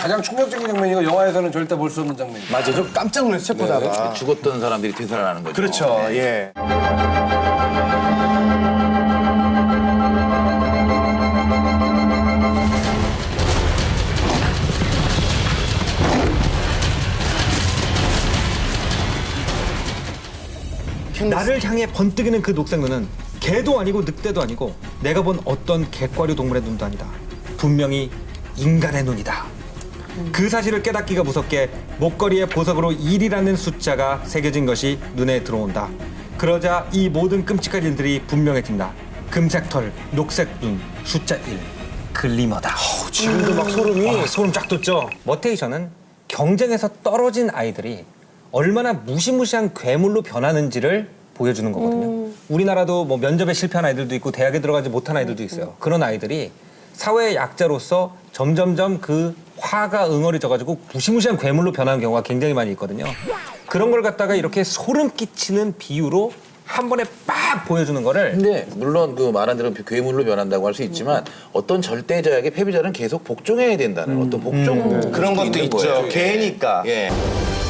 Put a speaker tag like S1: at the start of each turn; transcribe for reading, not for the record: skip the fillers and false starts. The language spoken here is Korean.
S1: 가장 충격적인 장면이고 영화에서는 절대 볼 수 없는 장면이에요.
S2: 맞아, 좀 깜짝 놀랐어 책 보다가.
S3: 죽었던 사람들이 되살아나는 거죠.
S2: 그렇죠, 예.
S4: 나를 향해 번뜩이는 그 녹색 눈은 개도 아니고 늑대도 아니고 내가 본 어떤 객과류 동물의 눈도 아니다. 분명히 인간의 눈이다. 그 사실을 깨닫기가 무섭게 목걸이에 보석으로 1이라는 숫자가 새겨진 것이 눈에 들어온다. 그러자 이 모든 끔찍한 일들이 분명해진다. 금색 털, 녹색 눈, 숫자 1. 글리머다.
S2: 지금도 막 소름이.
S4: 소름 쫙 돋죠. 머테이션은 경쟁에서 떨어진 아이들이 얼마나 무시무시한 괴물로 변하는지를 보여주는 거거든요. 우리나라도 뭐 면접에 실패한 아이들도 있고 대학에 들어가지 못한 아이들도 있어요. 그런 아이들이 사회의 약자로서 점점점 그 화가 응어리져가지고 무시무시한 괴물로 변하는 경우가 굉장히 많이 있거든요. 그런 걸 갖다가 이렇게 소름 끼치는 비유로 한 번에 빡 보여주는 거를.
S3: 근데 물론 그 말한 대로 괴물로 변한다고 할 수 있지만 어떤 절대자에게 패배자는 계속 복종해야 된다는 어떤 복종
S2: 그런 것도 있죠. 개니까.
S3: 예.